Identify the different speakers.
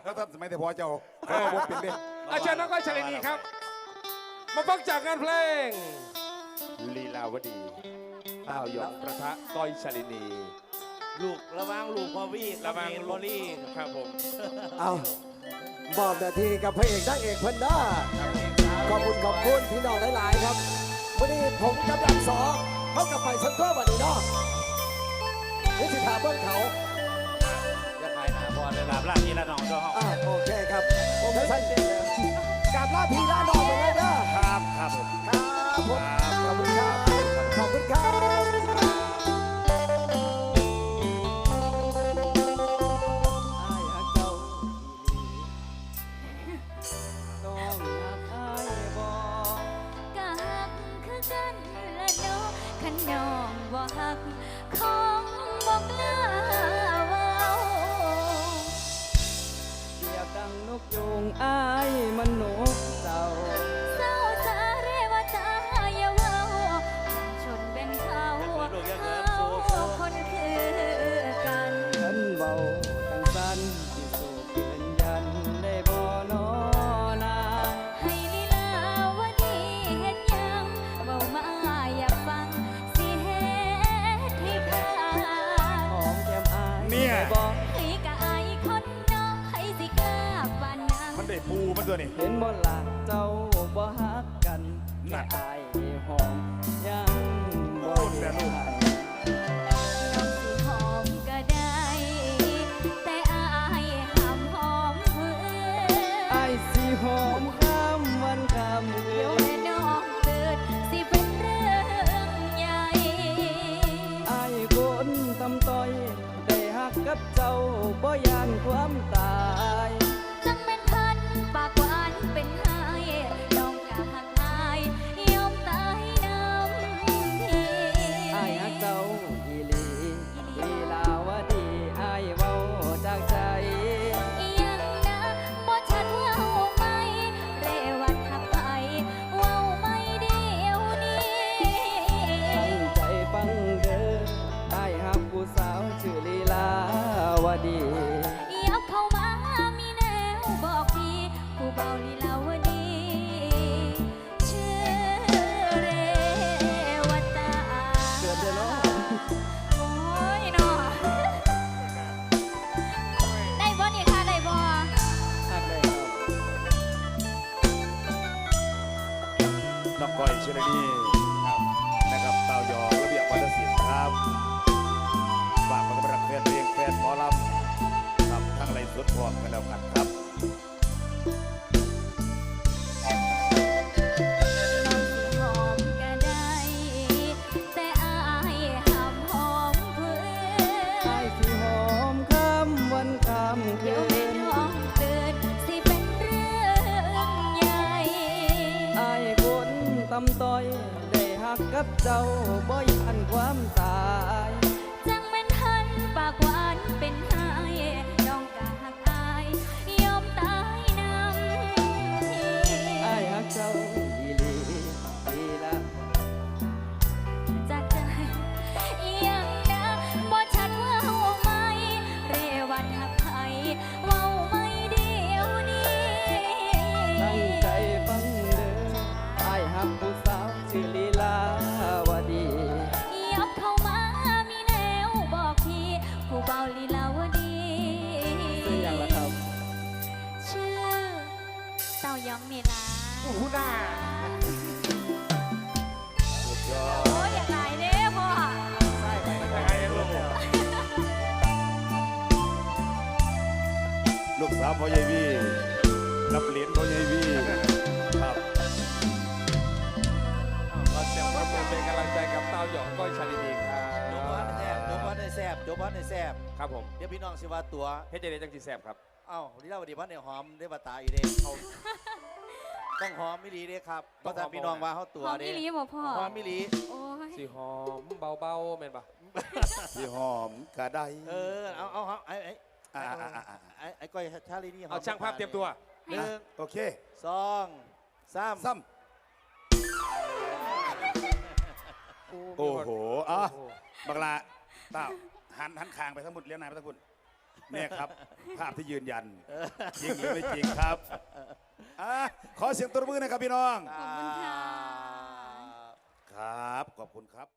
Speaker 1: แล้วท่านสมัยแต่พอเจ้าเขาบอกเป็นเด็ก
Speaker 2: อาจารย์น้องก้อยชลินีครับมาฟังจากงานเพลงลีลาวดีต้าวหยองประทะก้อยชลินี
Speaker 3: ลูกระวังลูกพอวี่
Speaker 2: ระวัง
Speaker 3: บอลี่
Speaker 2: ครับผม
Speaker 4: เอามอบหน้าที่กับพระเอกนางเอกเพิ่นด้าขอบคุณพี่น้องหลายๆครับวันนี้ผมกับดับสองเขากับไปซันเตอร์วันนี้เนาะนี่สิถามเบื้องเขา
Speaker 3: จะขายหนาบอลเลยลาบลาบนี่ละน้องเจ้าห้อง
Speaker 4: โอเคครับผมไม่ใช่กับลาพี่ลาน้องไปเลยนะครับ
Speaker 3: ครับผม
Speaker 4: ครับผมขอบคุณครับขอบคุณครับ
Speaker 5: กะหักคือกันละเนาะขันน้องบ่หักของบอกลาเว้า
Speaker 6: เสียบดังนกยูงอ้ายมันนกเจ้า
Speaker 5: เศร้าสาเรวตาอย่าเว้าชนแบ่งเขาเขาคนคือกัน
Speaker 6: ฉันเบาจังสันที่สูบเป็นยันได้บ่นอนา
Speaker 5: ให้ลีลาวดีเฮ็ดหยังเว้ามาอยากฟังสิเฮ็ดให้ขาด
Speaker 6: หอมแก้มอ้ายได้บ่
Speaker 5: ให้กะอายคนเนาะให้สิกล้าปานนั้น
Speaker 1: มันได้ปูมันตัวนี้
Speaker 6: เห็นบ่ล่ะเจ้าบ่ฮักกันแค่อ้ายหอมยังบ่ได้ให้
Speaker 5: น้องสิหอมก็ได้ แต่อายห้ามหอมเพื่อ
Speaker 6: อ้ายสิหอมข้ามวันข้ามคื
Speaker 5: เดี๋ยวน แม่น้องเกิดสิเป็นเรื่องใหญ่
Speaker 6: อายคนตำต้อย ได้ฮักกับเจ้าบ่ยานความตาย
Speaker 5: จังแม่นพันปากหวานเป็นไห้น้องกะหักอายยอมตายน้ำที
Speaker 6: อายฮักเจ้าอีหลีลีลาวดีอายเว้าจากใจ
Speaker 5: ยังนะบ่ชัดเว้าไหมเรวัดหักไปเว้าไม่เดียวนี้
Speaker 6: ตั้งใจฟังเด้ออายฮักผู้สาวชื่อลีลาวดี
Speaker 5: ยับเข้ามามีแนวบอกพี่ผู้เบาลีลาวดีชื่อเรวตา
Speaker 6: เกิดเดือนเนาะ
Speaker 5: โอ้ยเนาะได้บ่นี่ค่ะได้บ่
Speaker 6: ฮักได้ครับ
Speaker 1: น้องก้อยเชลนีนะครับเต่ายองระเบียบวัฒนศิลป์ครับฝากมันก็เป็นรักแฟนเพลงแฟนหมอลำครับทั้งไรสุดพร้อมกันแล้วกันครับ
Speaker 5: น้องสิหอมก็ได้ แต่อายห้ามหอมเพื่
Speaker 6: อาย
Speaker 5: อ
Speaker 6: สิหอมข้ามวันข้ามคื
Speaker 5: เดี๋ยวแม่
Speaker 6: น
Speaker 5: น้องเกิดสิเป็นเรื่องใหญ่
Speaker 6: อายคนตำต้อย ได้ฮักกับเจ้าบ่ยานความตาย
Speaker 5: จังแม่นทันปากหวานเป็นไห้น้องกะหักอายยอมตายน้ำที
Speaker 6: อายฮักเจ้าอีหลีลีลา
Speaker 5: จากใจยังนะบ่ชัดเว่าไหมเรวัดหักไผเว้าไม่เดียวนี้
Speaker 6: ตั้งใจฟังเด้ออายฮักผู้สาวชื่อลีลาวดี
Speaker 5: ยับเข้ามามีแนวบอกพี่ผู้เบาลีลาวดี
Speaker 6: ซื้ออย่างละครับ
Speaker 5: ชื่อเต้ายองนี่ล่ะ
Speaker 2: ผู้หน้า
Speaker 1: สุดยอด
Speaker 5: โอ้ยอย่าหลายเด้อพ่อ
Speaker 2: ยังไงลูก
Speaker 1: ลูกสาวพ่อใหญ่วีรับเหรียญพ่อใหญ่วีครับ
Speaker 2: เราเสียงปรบมือเป็นกำลังใจกับเต้าหยองก้อยชลินีครับ
Speaker 3: จบพันแซ่บจบพันในแซ่บจบพันในแซ่บ
Speaker 2: ครับผม
Speaker 3: เดี๋ยวพี่น้องสิว่าตัว
Speaker 2: เฮ็ดเจเดจังจีแซบครับ
Speaker 3: เอ้าลีลาวดีพันในหอมได้มาตาอีเด้เขาต้องหอมมิลีเด้ครับเพราะถ้าพี่น้องว่าเขาตัว
Speaker 5: หอม
Speaker 3: เด้
Speaker 5: อีหลีบ่พ่อ
Speaker 3: หอมมิลี
Speaker 5: โอ้ย
Speaker 2: สีหอมเบาๆแม่นปะ
Speaker 1: พี่หอมกระได
Speaker 3: เอาไอ้
Speaker 1: อ่า
Speaker 3: ไอ้ก้อยชาลีนี่หอม
Speaker 2: เอาช่างภาพเตรียมตัว
Speaker 3: หนึ่ง
Speaker 1: โอเค
Speaker 3: สองสาม
Speaker 1: ซ้ำโอ้โหอ่ะบักลาเต้าหันคางไปทั้งหมดเลี้ยวนายไปทั้งหมดเนี่ยครับ ภาพที่ยืนยัน จริงหรือไม่จริงครับขอเสียงตบมือหนะครับพี่น้อง
Speaker 5: ขอบคุณค่ะ
Speaker 1: ครับ ขอบคุณครับ